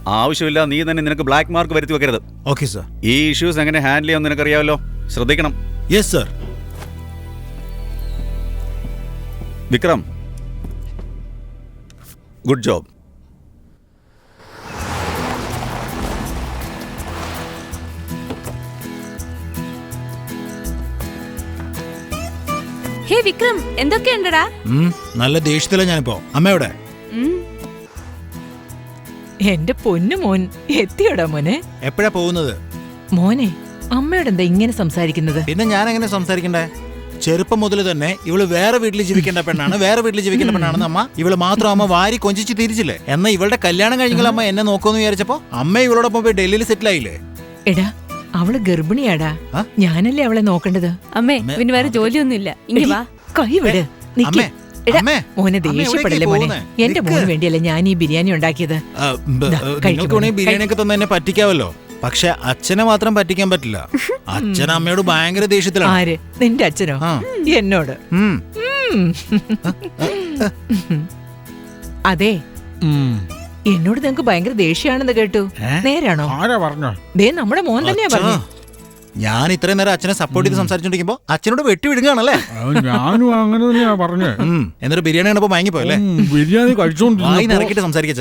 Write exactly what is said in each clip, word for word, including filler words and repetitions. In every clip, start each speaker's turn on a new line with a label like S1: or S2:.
S1: ആവശ്യമില്ല, നീ തന്നെ നിനക്ക് ബ്ലാക്ക് മാർക്ക് വരുത്തി വെക്കരുത്.
S2: Okay sir.
S1: ഈ ഇഷ്യൂസ് എങ്ങനെ ഹാൻഡിൽ ചെയ്യാൻ നിനക്കറിയാമല്ലോ, ശ്രദ്ധിക്കണം.
S2: Yes sir.
S1: Vikram, good job.
S3: Hey Vikram, എന്തൊക്കെയുണ്ടടാ?
S2: നല്ല ദേഷ്യത്തിലാ ഞാനിപ്പോ. അമ്മയോടെ
S4: എന്റെ പൊന്നു മോൻ എത്തിയോടാ മോനെ?
S2: എപ്പോഴാ പോകുന്നത്?
S4: മോനെ, അമ്മയോട് എന്താ ഇങ്ങനെ സംസാരിക്കുന്നത്?
S2: പിന്നെ ഞാൻ എങ്ങനെ സംസാരിക്കണ്ടേ? ചെറുപ്പം മുതൽ തന്നെ ഇവള് വേറെ വീട്ടിൽ ജീവിക്കേണ്ട പെണ്ണാണ്, വേറെ വീട്ടിൽ ജീവിക്കേണ്ട പെണ്ണാണെന്ന് അമ്മ ഇവള് മാത്രം അമ്മ വാരി കൊഞ്ചിച്ച് തിരിച്ചില്ലേ. എന്നാ ഇവളുടെ കല്യാണം കഴിഞ്ഞെങ്കിൽ അമ്മ എന്നെ നോക്കുമെന്ന് വിചാരിച്ചപ്പോ അമ്മ ഇവളോടൊപ്പം പോയി ഡൽഹിയിൽ സെറ്റിൽ ആയില്ലേ.
S4: എടാ, അവള് ഗർഭിണിയാടാ. ഞാനല്ലേ അവളെ നോക്കേണ്ടത്.
S3: അമ്മേ, പിന്നെ വേറെ ജോലിയൊന്നുമില്ല. ഇങ്ങ് വാ.
S4: കൈവിട്. മോനെ ദേഷ്യപ്പെടല്ലേ മോനെ. എന്റെ മോന് വേണ്ടിയല്ലേ ഞാൻ ഈ ബിരിയാണി ഉണ്ടാക്കിയത്.
S2: നിങ്ങൾക്ക് ബിരിയാണി ഒക്കെ തന്നെ എന്നെ പറ്റിക്കാവല്ലോ, പക്ഷെ അച്ഛനെ മാത്രം പറ്റിക്കാൻ പറ്റില്ല. അച്ഛൻ അമ്മയോട് ഭയങ്കര ദേഷ്യത്തിലാണ്.
S4: ആര്? നിന്റെ അച്ഛനോ? എന്നോട്? അതെ, എന്നോട് നിങ്ങക്ക് ഭയങ്കര ദേഷ്യാണെന്ന് കേട്ടു. നേരാണോ? ദേ നമ്മുടെ മോൻ തന്നെയാ പറഞ്ഞു.
S2: ഞാൻ ഇത്രയും നേരം അച്ഛനെ സപ്പോർട്ട് ചെയ്ത് സംസാരിച്ചോണ്ടിരിക്കുമ്പോ അച്ഛനോട് വെട്ടി വിടുകയാണല്ലേ?
S5: ഞാനും അങ്ങനെ തന്നെയാ പറഞ്ഞേ.
S2: എന്നിട്ട് ബിരിയാണി കണ്ടപ്പോ വാങ്ങിപ്പോയല്ലേ?
S5: ബിരിയാണി കഴിച്ചോണ്ടിരുന്നു.
S2: ഇറക്കിട്ട് സംസാരിക്കാ.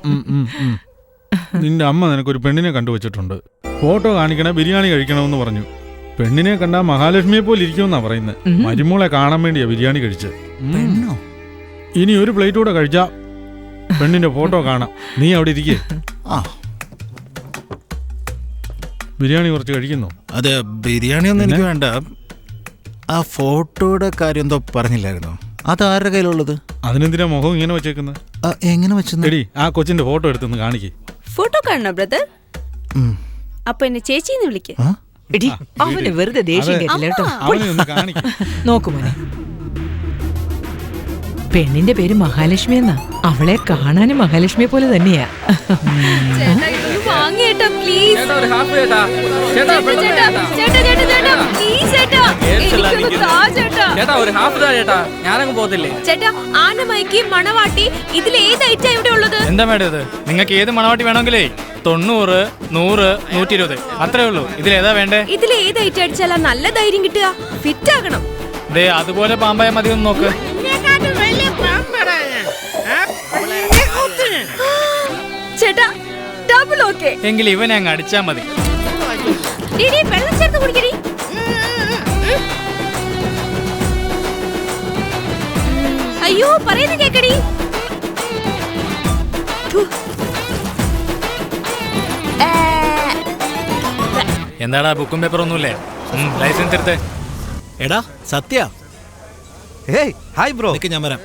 S5: നിന്റെ അമ്മ നിനക്കൊരു പെണ്ണിനെ കണ്ടുവച്ചിട്ടുണ്ട്. ഫോട്ടോ കാണിക്കണേ, ബിരിയാണി കഴിക്കണമെന്ന് പറഞ്ഞു. പെണ്ണിനെ കണ്ടാ മഹാലക്ഷ്മിയെ പോലെ ഇരിക്കുമെന്നാ പറയുന്നത്. മരുമോളെ കാണാൻ വേണ്ടിയാ ബിരിയാണി കഴിച്ച്. ഇനി ഒരു പ്ലേറ്റ് കൂടെ കഴിച്ചാ പെണ്ണിന്റെ ഫോട്ടോ കാണാം. നീ അവിടെ ഇരിക്കേ. ബിരിയാണി കുറച്ച് കഴിക്കുന്നു.
S2: അതെ, ബിരിയാണി ഒന്നും എനിക്ക് വേണ്ട. ആ ഫോട്ടോയുടെ കാര്യം എന്തോ പറഞ്ഞില്ലായിരുന്നോ? അത് ആരുടെ കയ്യിലുള്ളത്?
S5: അതിനെന്തിനാ മുഖം ഇങ്ങനെ വെച്ചേക്കുന്നത്?
S2: എങ്ങനെ വെച്ചെടി?
S5: ആ കൊച്ചിന്റെ ഫോട്ടോ എടുത്തൊന്ന് കാണിക്കേ.
S3: ഫോട്ടോ കാണണോ ബ്രദർ? അപ്പൊ എന്നെ ചേച്ചിന്ന് വിളിക്ക്.
S4: അവന് വെറുതെ ദേഷ്യം കേട്ടില്ല കേട്ടോ. നോക്കുമോനെ, പെണ്ണിന്റെ പേര് മഹാലക്ഷ്മി എന്നാ. അവളെ കാണാനും മഹാലക്ഷ്മിയെ പോലെ തന്നെയാ.
S3: ചേട്ടാ, ആനമൈക്ക് മണവാട്ടി ഇതിലേതായിട്ടാ ഇവിടെ ഉള്ളത്?
S6: എന്താ മേഡം ഇത്? നിങ്ങൾക്ക് ഏത് മണവാട്ടി വേണമെങ്കിലേ തൊണ്ണൂറ്, നൂറ്, നൂറ്റി ഇരുപത് അത്രേ ഉള്ളൂ. ഇതിലേതാ വേണ്ടേ?
S3: ഇതിലേതായിട്ട് അടിച്ചാലാ നല്ല ധൈര്യം കിട്ടുക? ഫിറ്റ് ആകണം.
S6: ദേ അതുപോലെ പാമ്പായ മതി. ഒന്ന് നോക്ക്.
S3: ചേട്ടാ, ഡബിൾ ഓക്കേ.
S6: എങ്കിൽ ഇവനെ അങ്ങ് അടിച്ചാ മതി.
S3: വെള്ളം ചേർത്ത് കുടിക്കടി. അയ്യോ, പറയുന്ന കേക്കടി.
S6: എന്താടാ, ബുക്കും പേപ്പർ ഒന്നുമില്ലേ? ലൈസൻസ് എടുത്തേ.
S2: എടാ സത്യ.
S7: Hi bro.
S2: ഞാൻ വരാം.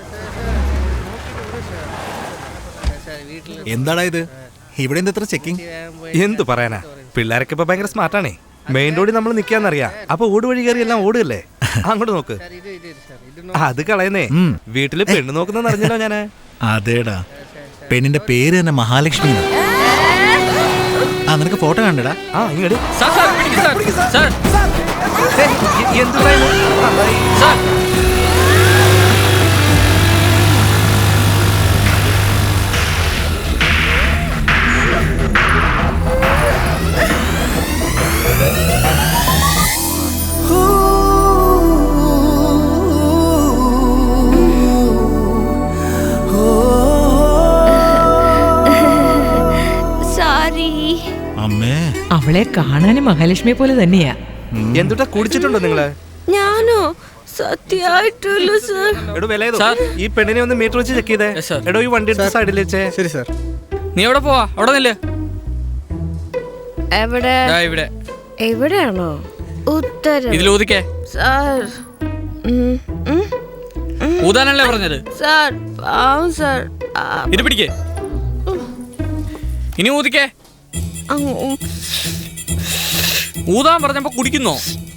S2: എന്താടാ ഇത്? ഇവിടെ എത്ര ചെക്കിംഗ്?
S7: എന്തു പറയാനാ, പിള്ളേരൊക്കെ ഇപ്പൊ ഭയങ്കര സ്മാർട്ടാണേ. മെയിൻ റോഡിൽ നമ്മൾ നിക്കാന്നറിയാം. അപ്പൊ ഓട് വഴി കയറി എല്ലാം ഓടുകല്ലേ. അങ്ങോട്ട് നോക്ക്. അത് കളയുന്നേ. വീട്ടില് പെണ്ണ് നോക്കുന്ന അറിഞ്ഞല്ലോ ഞാന്.
S2: അതേടാ, പെണ്ണിന്റെ പേര് തന്നെ മഹാലക്ഷ്മി. ആ, നിനക്ക് ഫോട്ടോ കണ്ടടാ?
S7: ആ, ഇങ്ങോട്ട്. എന്ത്
S4: അവളെ കാണാനും മഹാലക്ഷ്മിയെ പോലെ തന്നെയാ.
S7: എന്തുട്ടാ കുടിച്ചിട്ടുണ്ടോ നിങ്ങള്?
S3: ഞാനോ? സത്യമായിട്ടുള്ളൂ സർ.
S7: എടോ വിലയതോ, ഈ പെണ്ണിനെ ഒന്ന് മീറ്റർ വെച്ച് ചെക്ക് ചെയ്തേ. എടോ, ഈ വണ്ടി എടുത്ത് സൈഡിൽ വെച്ചേ.
S6: ശരി സാർ. നീ എവിടെ പോവാ? അവിടെ നില്ല്.
S3: എവിടെ?
S6: ഇവിടെ.
S3: എവിടെയാണോ? ഉത്തരം.
S6: ഇതിൽ ഊതിക്കേ.
S3: സാർ,
S6: ഊതാനല്ലേ പറഞ്ഞത്?
S3: സാർ പാവം സാർ.
S6: ഇത് പിടിക്കേ. ഇനി ഊതിക്കേ. ഊതാൻ പറഞ്ഞപ്പോ കുടിക്കുന്നോ?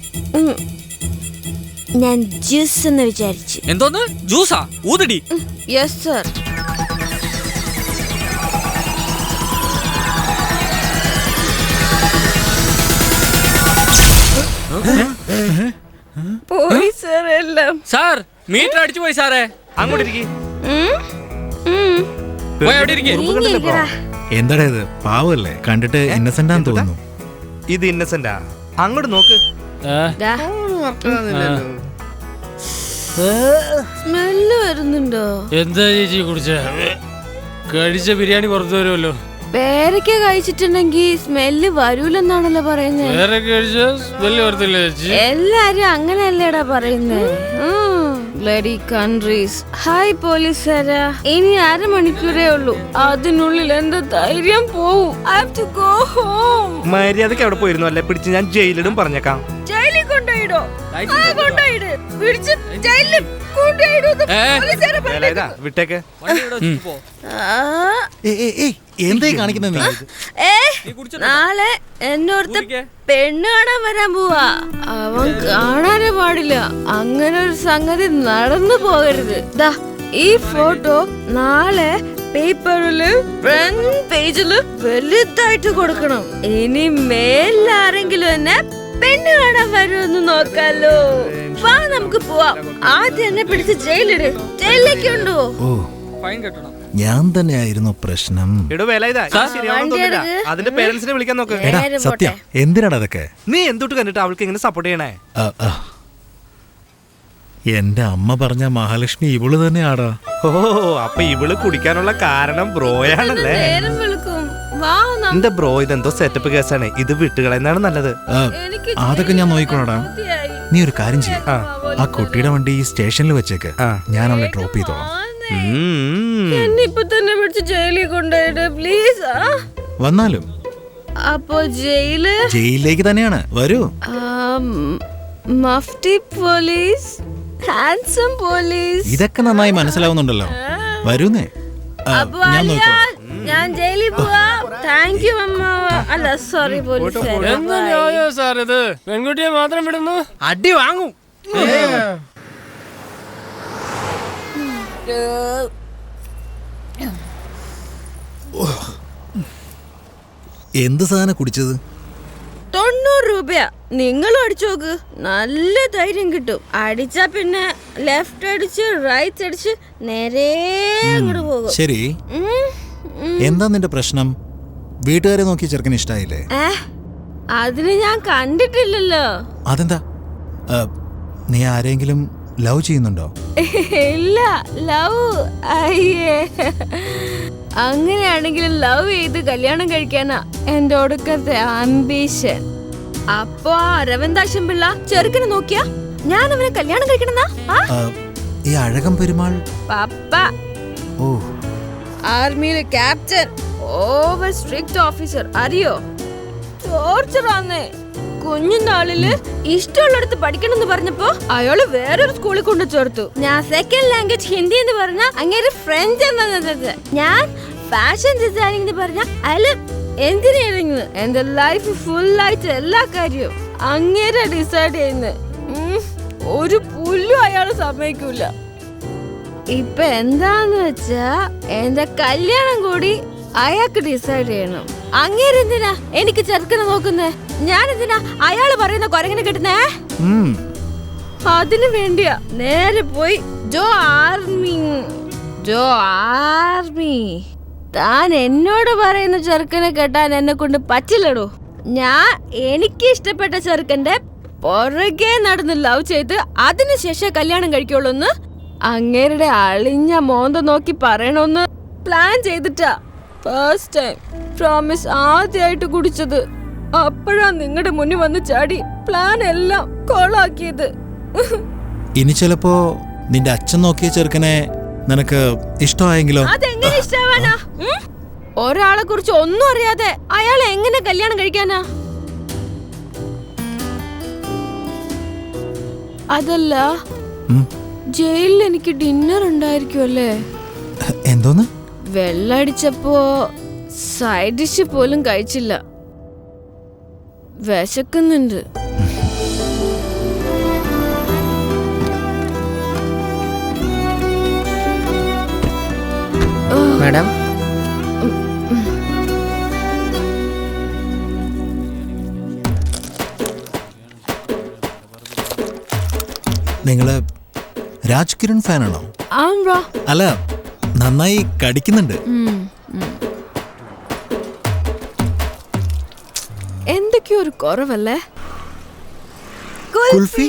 S3: ഞാൻ ജ്യൂസ് എന്ന് വിചാരിച്ചു.
S6: എന്തോന്ന്? ജ്യൂസാ? ഊതടി.
S3: Yes sir. പോയി സാർ എല്ലാം.
S6: സാർ, മീറ്റർ അടിച്ചു പോയി സാറേ.
S7: അങ്ങോട്ട് ഇരിക്കും.
S6: എവിടെ ഇരിക്കേ?
S2: എന്താടാ ഇത് പാവല്ലേ കണ്ടിട്ട് ഇന്നസെന്റ് ആണെന്ന് തോന്നുന്നു.
S7: ഇത് ഇന്നസെന്റാ? അങ്ങോട്ട് നോക്ക്.
S3: ദാ, സ്മെല്ല് വരുന്നുണ്ടോ?
S6: എന്താ ചേച്ചി കുടിച്ച കഴിച്ച ബിരിയാണി പുറത്തു വരുമല്ലോ.
S3: പേരയ്ക്ക കഴിച്ചിട്ടുണ്ടെങ്കിൽ സ്മെല്ല് വരൂലെന്നാണല്ലോ പറയുന്നത്.
S6: വേറെ കഴിച്ച സ്മെല്ല് വരത്തില്ല ചേച്ചി.
S3: എല്ലാരും അങ്ങനെയല്ലേടാ പറയുന്നത്. Bloody countries. ഹായ് പോലീസുകാരാ, ഇനി അരമണിക്കൂറേ ഉള്ളൂ, അതിനുള്ളിൽ എന്റെ ധൈര്യം പോവും. I have to go home.
S7: മര്യാദക്ക് അവിടെ പോയിരുന്നു അല്ലേ? പിടിച്ച് ഞാൻ ജയിലിടും പറഞ്ഞേക്കാം.
S3: ജയിലിൽ കൊണ്ടുപോയിടോ? ആ, കൊണ്ടുപോയിട്. പിടിച്ച് ജയിലിൽ കൊണ്ടുപോയിടോ എന്ന് പോലീസുകാരെ
S7: വേലായുധാ, വിട്ടേക്ക്.
S3: ആ,
S2: ഏയ്, ഏയ്, ഏയ്, എന്തായി കാണിക്കുന്നത് നീ?
S3: ഏ, നാളെ എന്നോർത്ത് പെണ്ണ് കാണാൻ വരാൻ പോവാ. അവൻ കാണാനേ പാടില്ല. അങ്ങനെ ഒരു സംഗതി നടന്നു പോകരുത്. ദാ ഈ ഫോട്ടോ നാളെ പേപ്പറില് ഫ്രണ്ട് പേജില് വലുതായിട്ട് കൊടുക്കണം. ഇനി മേലാരെങ്കിലും എന്നെ പെണ്ണ് കാണാൻ വരുമെന്ന് നോക്കാലോ. വാ നമുക്ക് പോവാം. ആദ്യം എന്നെ പിടിച്ച് ജയിലിട്. ജയിലിലേക്ക് ഉണ്ടോ?
S2: ഓ, ഞാൻ തന്നെയായിരുന്നു പ്രശ്നം.
S7: എടോ വേലായുധാ, ഇത് ശരിയാവണം തോന്നില്ല. അതിന്റെ പേരൻസിനെ വിളിക്കാൻ നോക്ക്.
S2: എടാ
S3: നേരെ
S2: സത്യ, എന്തിനാടാ അതൊക്കെ?
S7: നീ എന്തൊട്ട് കണ്ടിട്ട് അവൾക്ക് ഇങ്ങനെ സപ്പോർട്ട് ചെയ്യണേ?
S2: ആ, ആ. എന്റെ അമ്മ പറഞ്ഞ മഹാലക്ഷ്മി ഇവള് തന്നെയാടാ.
S7: ഓ, അപ്പൊ ഇവള് കുടിക്കാനുള്ള കാരണം ബ്രോയാണല്ലേ?
S3: നേരം വെളുക്കും. വാ നമുക്ക്
S7: എന്റെ ബ്രോ, ഇതെന്തോ സെറ്റപ്പ് കേസാണ്. ഇത് വിട്ടുകളയുന്നതാണ് നല്ലത്.
S2: ആ,
S3: എനിക്ക്
S2: അതൊക്കെ ഞാൻ നോക്കിക്കോളാടാ.
S3: മതിയായി.
S2: നീ ഒരു കാര്യം ചെയ്യ,
S7: ആ.
S2: ആ കുട്ടിയുടെ വണ്ടി ഈ സ്റ്റേഷനിൽ വെച്ചേക്ക്.
S7: ആ.
S2: ഞാൻ അവളെ ഡ്രോപ്പ് ചെയ്തോളാം.
S7: ഉം.
S3: എന്നെ ഇപ്പൊ തന്നെ പിടിച്ച് ജയിലിൽ കൊണ്ടുപോയിട്ട് പ്ലീസ്. ആ,
S2: വന്നാലും
S3: അപ്പൊ ജയില്
S2: ജയിലിലേക്ക് തന്നെയാണ്. വരൂ.
S3: മഫ്തി പോലീസ്, ഹാൻസം പോലീസ്.
S2: ഇതൊക്കെ നന്നായി മനസ്സിലാവുന്നുണ്ടല്ലോ. വരൂന്നേ. ആ,
S3: അപ്പൊ
S2: ഞാൻ
S3: അല്ല,
S2: നോക്കിക്കോളാം.
S3: ഞാൻ ജയിലിൽ പോവാ. താങ്ക് യു അമ്മാവ. അല്ല സോറി പോലീസ്.
S6: എന്താ ന്യായോ സാർ ഇത്? പെൺകുട്ടിയെ മാത്രം വിടുന്നു, അടി വാങ്ങും.
S2: എന്ത് സാധനം കുടിച്ചത്?
S3: തൊണ്ണൂറ് രൂപയാ. നിങ്ങൾ അടിച്ചു നോക്ക്, നല്ല ധൈര്യം കിട്ടും. അടിച്ചാ പിന്നെ ലെഫ്റ്റ് അടിച്ച് റൈറ്റ് അടിച്ച് നേരെ അങ്ങോട്ട് പോകും.
S2: ശരി,
S3: ഉം, ഉം.
S2: എന്താ നിന്റെ പ്രശ്നം? വീട്ടുകാരെ നോക്കി ചെറുക്കന് ഇഷ്ടായില്ലേ?
S3: ഏ, അതിന് ഞാൻ കണ്ടിട്ടില്ലല്ലോ.
S2: അതെന്താ? ആ, നീ ആരെങ്കിലും ലവ് ചെയ്യുന്നുണ്ടോ?
S3: ഇല്ല, ലവ് അയ്യേ. അങ്ങനെയാണെങ്കിൽ ലവ് ചെയ്ത് കല്യാണം കഴിക്കാനാ എന്റെ ഒടുക്കത്തെ അംബീഷൻ. അപ്പൊ ആ അരവിന്ദാക്ഷൻ പിള്ള ചെറുക്കനെ നോക്കിയാ ഞാൻ അവനെ കല്യാണം കഴിക്കണമെന്നാ? ആ,
S2: ആ, ഈ അഴകം പെരുമാൾ.
S3: പപ്പ
S2: ഓ,
S3: ആർമിയിലെ ക്യാപ്റ്റൻ, ഓവർ സ്ട്രിക്റ്റ് ഓഫീസർ. അറിയോ? ടോർച്ചറാന്നേ. കുഞ്ഞുനാളില് ഇഷ്ടമുള്ളടത്ത് പഠിക്കണം എന്ന് പറഞ്ഞപ്പോ അയാള് വേറൊരു സ്കൂളിൽ കൊണ്ട് ചേർത്തു. ഞാൻ സെക്കൻഡ് ലാംഗ്വേജ് ഹിന്ദി എന്ന് പറഞ്ഞ അങ്ങനെ ഫ്രഞ്ച് എന്നത്. ഞാൻ ഫാഷൻ ഡിസൈനിങ് എന്ന് പറഞ്ഞ അയാള് എഞ്ചിനീയറിംഗ്. എന്റെ ലൈഫ് ഫുൾ ആയിട്ട് എല്ലാ കാര്യവും അങ്ങേരെ ഡിസൈഡ് ചെയ്യുന്നത്. ഒരു പുല്ലും അയാള് സമ്മതിക്കൂല. ഇപ്പൊ എന്താന്ന് വെച്ചാ എന്റെ കല്യാണം കൂടി അയാൾക്ക് ഡിസൈഡ് ചെയ്യണം. അങ്ങേരെന്തിനാ എനിക്ക് ചെറുക്കനെ നോക്കുന്നേ? ഞാൻ എന്തിനാ അയാള് പറയുന്ന കൊരങ്ങനെ കിട്ടുന്നേ?
S2: ഉം.
S3: അതിനു വേണ്ടിയാ നേരെ പോയി ജോ ആർമി. ജോ ആർമി. താൻ എന്നോട് പറയുന്ന ചെറുക്കനെ കെട്ടാൻ എന്നെ കൊണ്ട് പറ്റില്ലടോ. ഞാൻ എനിക്ക് ഇഷ്ടപ്പെട്ട ചെറുക്കന്റെ പുറകെ നടന്ന് ലവ് ചെയ്ത് അതിനുശേഷം കല്യാണം കഴിക്കുള്ളൂന്ന് അങ്ങേരുടെ അളിഞ്ഞ മോന്ത നോക്കി പറയണമെന്ന് പ്ലാൻ ചെയ്തിട്ടാ ഫസ്റ്റ് ടൈം പ്രോമിസ് ആദ്യമായിട്ട് കുടിച്ചത്. അപ്പോഴാ നിങ്ങളുടെ മുന്നിൽ വന്ന് ചാടി പ്ലാൻ എല്ലാം കോളാക്കിയത്.
S2: ഇനി ചിലപ്പോ നിന്റെ അച്ഛൻ നോക്കിയ ചെറുക്കനെ നിനക്ക് ഇഷ്ടമായെങ്കിലോ?
S3: അതെങ്ങനെ ഇഷ്ടാവാനാ? ഉം? ഒരാളെ കുറിച്ച് ഒന്നും അറിയാതെ അയാൾ എങ്ങനെ കല്യാണം കഴിക്കാനാ? അതല്ല,
S2: ഉം.
S3: ജയിലിൽ എനിക്ക് ഡിന്നർ ഉണ്ടായിരിക്കുമല്ലേ?
S2: എന്തോന്ന്?
S3: വെള്ളടിച്ചപ്പോ സൈഡ് ഡിഷ് പോലും കഴിച്ചില്ല. വിശക്കുന്നുണ്ട്.
S8: മാഡം,
S2: നിങ്ങള് രാജ് കിരൺ ഫാനാണോ?
S3: ആണോ?
S2: അല്ല, നന്നായി കടിക്കുന്നുണ്ട്.
S3: ഉം, ഉം. എന്തൊക്കെയോ ഒരു കുറവല്ലേ?
S2: കുൽഫി.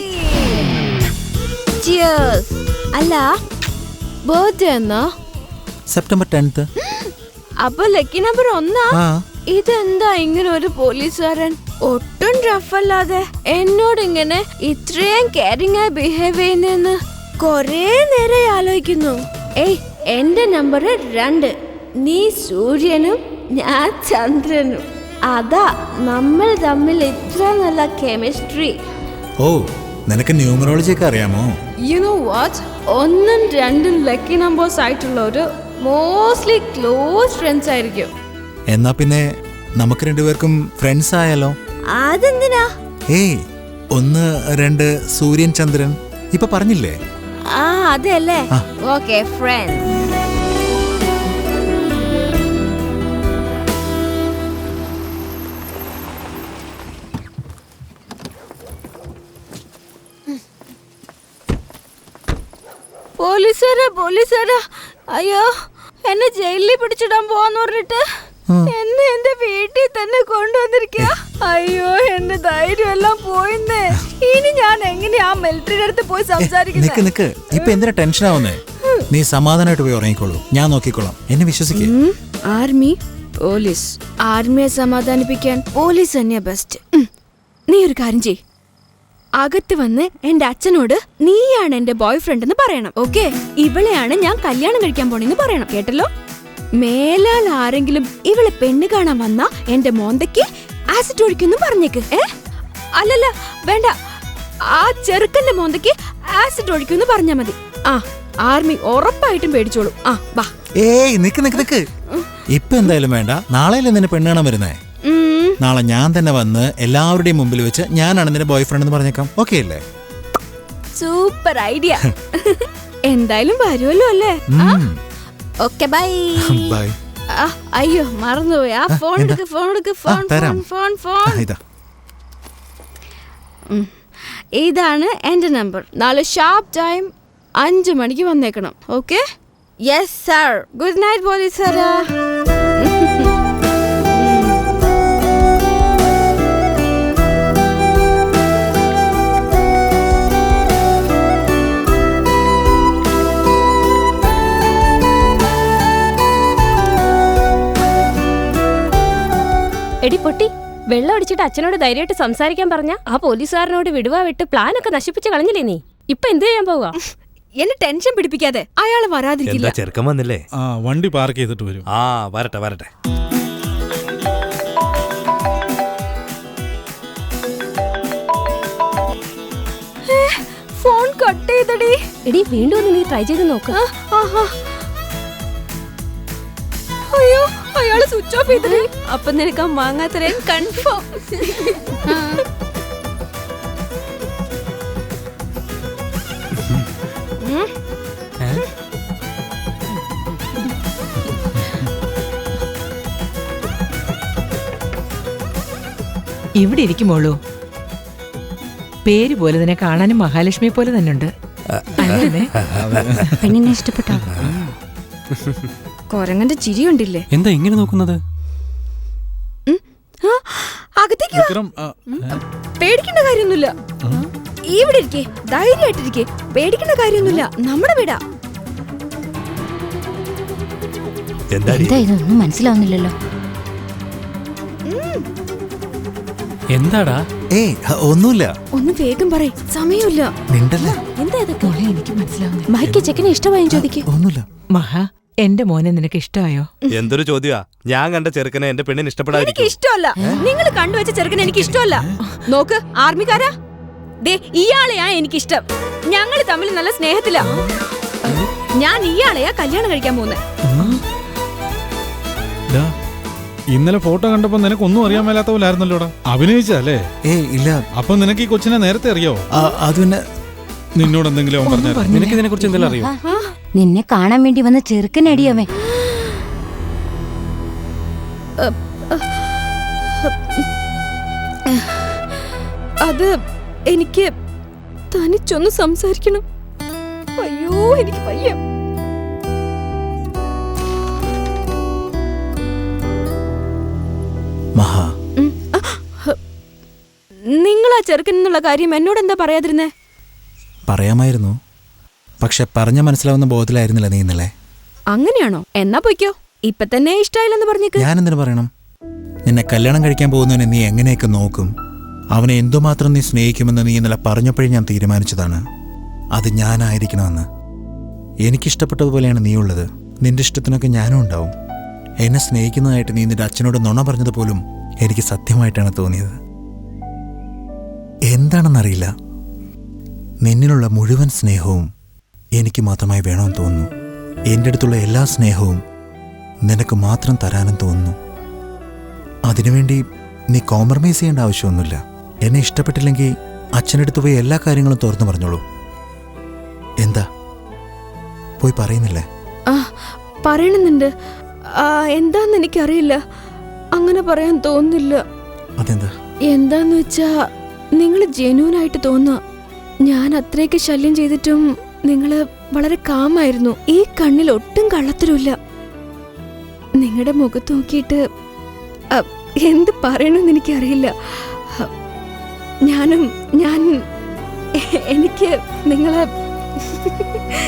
S3: Cheers. അല്ല ബർത്ത്ഡേ എന്നാ?
S2: September tenth.
S3: അപ്പൊ ലക്കി നമ്പർ ഒന്നാ?
S2: ആ
S3: ഇതെന്താ ഇങ്ങനെ ഒരു പോലീസുകാരൻ ഒട്ടും റഫല്ലാതെ എന്നോട് ഇങ്ങനെ ഇത്രയും കെയറിംഗ് ആയി ബിഹേവ് ചെയ്യുന്നെന്ന് കൊറേ നേരം ആലോചിക്കുന്നു. ഏയ് എന്റെ നമ്പർ രണ്ട്. നീ സൂര്യനും ഞാൻ ചന്ദ്രനും. അതാ നമ്മൾ തമ്മിൽ ഇത്ര നല്ല കെമിസ്ട്രി.
S2: ഓ നിനക്ക് ന്യൂമറോളജി ഒക്കെ അറിയാമോ?
S3: യു നോ വാട്ട്, ഒന്നും രണ്ടും ലക്കി നമ്പേഴ്സ് ആയിട്ടുള്ളവര് മോസ്റ്റ്ലി ക്ലോസ് ഫ്രണ്ട്സ് ആയിരിക്കും.
S2: എന്നാ പിന്നെ നമുക്ക് രണ്ടുപേർക്കും ഫ്രണ്ട്സ് ആയാലോ?
S3: അതെന്തിനാ?
S2: ഏയ് ഒന്ന് രണ്ട് സൂര്യൻ ചന്ദ്രൻ ഇപ്പൊ പറഞ്ഞില്ലേ?
S3: ആ അതെല്ലേ.
S2: ആ.
S3: Okay friends. പോലീസുകാരാ പോലീസുകാരാ, അയ്യോ എന്നെ ജയിലിൽ പിടിച്ചിടാൻ പോവാന്ന് പറഞ്ഞിട്ട് എന്നെ എന്റെ വീട്ടിൽ തന്നെ കൊണ്ടുവന്നിരിക്കുക. അയ്യോ എന്റെ ധൈര്യം എല്ലാം പോയിന്നേ. ഇനി ഞാൻ എങ്ങനെയാ ആ മിലിറ്ററിയുടെ അടുത്ത് പോയി
S2: നിക്ക്
S3: സംസാരിക്കുന്നത്?
S2: നിക്ക് ഇപ്പൊ എന്തിനാ ടെൻഷൻ ആവുന്നേ? നീ സമാധാനമായിട്ട് പോയി ഉറങ്ങിക്കോളൂ, ഞാൻ നോക്കിക്കോളാം. എന്നെ വിശ്വസിക്കേ.
S3: ആർമി പോലീസ്, ആർമിയെ സമാധാനിപ്പിക്കാൻ പോലീസ് തന്നെയാ ബെസ്റ്റ്. നീ ഒരു കാര്യം ചെയ്, അകത്ത് വന്ന് എന്റെ അച്ഛനോട് നീയാണ് എന്റെ ബോയ് ഫ്രണ്ട് എന്ന് പറയണം. ഓക്കെ, ഇവളെയാണ് ഞാൻ കല്യാണം കഴിക്കാൻ പോണെന്ന് പറയണം. കേട്ടല്ലോ? മേലാൽ ആരെങ്കിലും ഇവളെ പെണ്ണ് കാണാൻ വന്നാ എന്റെ മോന്തയ്ക്ക് ആസിഡ് ഒഴിക്കുന്നു പറഞ്ഞേക്ക്. ഏ അല്ലല്ല വേണ്ട, ആ ചെറുക്കന്റെ മോന്തയ്ക്ക് ആസിഡ് ഒഴിക്കുന്നു പറഞ്ഞാ മതി. ആ ആർമി ഉറപ്പായിട്ടും പേടിച്ചോളൂ. ആ വാ.
S2: ഏയ് നിക്ക് നിക്ക് നിക്ക്, ഇപ്പൊ എന്തായാലും വേണ്ട. നാളെയല്ലേ നിന്നെ പെണ്ണ് കാണാൻ വരുന്നേ? നാളെ ഞാൻ തന്നെ വന്ന് എല്ലാവരുടെയും മുമ്പിൽ വെച്ച് ഞാനാണ് നിന്റെ ബോയ് ഫ്രണ്ട് എന്ന് പറഞ്ഞേക്കാം. ഓക്കെ അല്ലേ?
S3: Super idea. എന്തായാലും വരുമല്ലോ അല്ലേ? Okay bye.
S2: ബൈ.
S3: അയ്യോ മറന്നുപോയി. ആ ഫോൺ എടുക്ക് ഫോൺ എടുക്ക് ഫോൺ ഫോൺ ഫോൺ ഫോൺ.
S2: ഇതാ
S3: ഇതാണ് എന്റെ നമ്പർ. നാളെ ഷാർപ്പ് ടൈം അഞ്ചു മണിക്ക് വന്നേക്കണം. Okay? Yes sir. Good night police സാറാ.
S8: എടി പൊട്ടി, വെള്ളം അടിച്ചിട്ട് അച്ഛനോട് ധൈര്യമായിട്ട് സംസാരിക്കാൻ പറഞ്ഞ ആ പോലീസുകാരനോട് വിടുവാ വിട്ട് പ്ലാനൊക്കെ നശിപ്പിച്ച് കളഞ്ഞില്ലേ നീ? ഇപ്പൊ എന്ത് ചെയ്യാൻ പോവാ?
S3: എന്നെ ടെൻഷൻ പിടിപ്പിക്കാതെ, അയാള് വരാതിരിക്കില്ല.
S7: എന്താ ചെറുക്കൻ വന്നില്ലേ?
S5: ആ വണ്ടി പാർക്ക് ചെയ്തിട്ട് വരും.
S7: ആ വരട്ടെ വരട്ടെ.
S3: ഫോൺ കട്ട് ചെയ്തടി.
S8: എടി വീണ്ടും ഒന്ന് നീ ട്രൈ ചെയ്ത് നോക്ക്.
S3: അയ്യോ അയാള് സ്വിച്ച് ഓഫ് ചെയ്തടി. അപ്പൊ നിനക്ക് ആ മാങ്ങാത്തരൻ കൺഫേം.
S4: ഇവിടെ ഇരിക്കുമോളൂ. പേര് പോലെ തന്നെ കാണാനും മഹാലക്ഷ്മി പോലെ തന്നെ ഉണ്ട്.
S8: പെണ്ണിനെ ഇഷ്ടപ്പെട്ടോ?
S3: കൊരങ്ങന്റെ ചിരി ഉണ്ടില്ലേ?
S6: എന്താ ഇങ്ങനെ നോക്കുന്നത്?
S3: അകത്തേക്ക് വാ.
S5: വിക്രം, ആ,
S3: പേടിക്കേണ്ട കാര്യമൊന്നുമില്ല. ഇവിടെ ഇരിക്കേ, ധൈര്യമായിട്ടിരിക്കേ. പേടിക്കേണ്ട കാര്യമൊന്നുമില്ല, നമ്മുടെ വീടാ.
S7: എന്താ
S8: ഇതൊന്നും മനസ്സിലാവുന്നില്ലല്ലോ.
S6: എന്താടാ?
S2: ഏയ് ഒന്നുമില്ല.
S3: ഒന്ന് വേഗം പറയ്, സമയമില്ല.
S2: നിണ്ടല്ലേ?
S3: എന്താ ഇതൊക്കെ?
S4: എനിക്ക് മനസ്സിലാവുന്നില്ല.
S8: മൈക്ക് ചെക്കനെ ഇഷ്ടമായും ചോദിക്ക്.
S2: ഒന്നുമില്ല.
S4: മഹാ, എന്റെ മോനെ നിനക്ക് ഇഷ്ടമായോ?
S7: എന്തൊരു ചോദ്യാ. ഞാൻ കണ്ട ചെറുക്കനെ എന്റെ പെണ്ണിന്
S3: എനിക്ക്
S7: ഇഷ്ടപ്പെടാതിരിക്കും.
S3: ഇഷ്ടമല്ല. നിങ്ങൾ കണ്ടുവച്ച ചെറുക്കൻ എനിക്ക് ഇഷ്ടമല്ല. നോക്ക് ആർമിക്കാരാ, ദേ ഇയാളെയാ എനിക്കിഷ്ടം. ഞങ്ങൾ തമ്മിൽ നല്ല സ്നേഹത്തിലാ. ഞാൻ ഇയാളെയാ കല്യാണം കഴിക്കാൻ പോകുന്നത്.
S5: ഡാ, ഇന്നലെ ഫോട്ടോ കണ്ടപ്പോ നിനക്ക് ഒന്നും അറിയാൻ മേലാത്ത പോലെ ആയിരുന്നല്ലോടാ. അഭിനയിച്ചല്ലേ?
S2: ഏയ് ഇല്ല.
S5: അപ്പൊ നിനക്ക് ഈ കൊച്ചിനെ നേരത്തെ അറിയാവോ?
S2: അത് പിന്നെ
S5: നിന്നോട് എന്തെങ്കിലും അവൻ പറഞ്ഞായിരുന്നു?
S6: നിനക്ക് ഇതിനെ കുറിച്ച് എന്തെങ്കിലും അറിയോ?
S8: നിന്നെ കാണാൻ വേണ്ടി വന്ന ചെറുക്കനടിയവൻ.
S3: അത് എനിക്ക് തനിച്ചൊന്ന് സംസാരിക്കണം. അയ്യോ എനിക്ക് വയ്യ.
S2: മഹാ,
S3: നിങ്ങൾ ആ ചെറുക്കൻ എന്നുള്ള കാര്യം എന്നോട് എന്താ പറയാതിരുന്നേ?
S2: പറയാമായിരുന്നു, പക്ഷെ പറഞ്ഞ മനസ്സിലാവുന്ന ബോധത്തിലായിരുന്നില്ല നീ ഇന്നലെ.
S3: അങ്ങനെയാണോ? എന്നാ പൊയ്ക്കോ. ഇപ്പൊ തന്നെ ഇഷ്ടായില്ലെന്ന് പറഞ്ഞേക്ക്.
S2: ഞാൻ എന്തിനു പറയണം? നിന്നെ കല്യാണം കഴിക്കാൻ പോകുന്നവനെ നീ എങ്ങനെയൊക്കെ നോക്കും, അവനെ എന്തുമാത്രം നീ സ്നേഹിക്കുമെന്ന് നീ ഇന്നലെ പറഞ്ഞപ്പോഴേ ഞാൻ തീരുമാനിച്ചതാണ് അത് ഞാനായിരിക്കണമെന്ന്. എനിക്കിഷ്ടപ്പെട്ടതുപോലെയാണ് നീ ഉള്ളത്. നിന്റെ ഇഷ്ടത്തിനൊക്കെ ഞാനും ഉണ്ടാവും. എന്നെ സ്നേഹിക്കുന്നതായിട്ട് നീ നിന്റെ അച്ഛനോട് നുണ പറഞ്ഞത് പോലും എനിക്ക് സത്യമായിട്ടാണ് തോന്നിയത്. എന്താണെന്നറിയില്ല, നിന്നിലുള്ള മുഴുവൻ സ്നേഹവും എനിക്ക് മാത്രമായി വേണമെന്ന് തോന്നുന്നു. എൻ്റെ അടുത്തുള്ള എല്ലാ സ്നേഹവും നിനക്ക് മാത്രം തരാനും തോന്നുന്നു. അതിനുവേണ്ടി നീ കോംപ്രമൈസ് ചെയ്യേണ്ട ആവശ്യമൊന്നുമില്ല. എന്നെ ഇഷ്ടപ്പെട്ടില്ലെങ്കിൽ അച്ഛനടുത്ത് പോയി എല്ലാ കാര്യങ്ങളും തുറന്നു പറഞ്ഞോളൂ. എന്താ പോയി പറയുന്നില്ലേ?
S3: ആ പറയണമെന്നുണ്ട്. എന്താന്ന് എനിക്കറിയില്ല, അങ്ങനെ പറയാൻ തോന്നുന്നില്ല.
S2: അതെന്താ?
S3: എന്താന്ന് വെച്ചാ നിങ്ങൾ ജെന്യൂനായിട്ട് തോന്നുക. ഞാൻ അത്രയൊക്കെ ശല്യം ചെയ്തിട്ടും നിങ്ങള് വളരെ കാമായിരുന്നു. ഈ കണ്ണിൽ ഒട്ടും കള്ളത്തരമില്ല. നിങ്ങളുടെ മുഖത്ത് നോക്കിയിട്ട് എന്ത് പറയണമെന്ന് എനിക്കറിയില്ല. ഞാനും ഞാൻ എനിക്ക് നിങ്ങളെ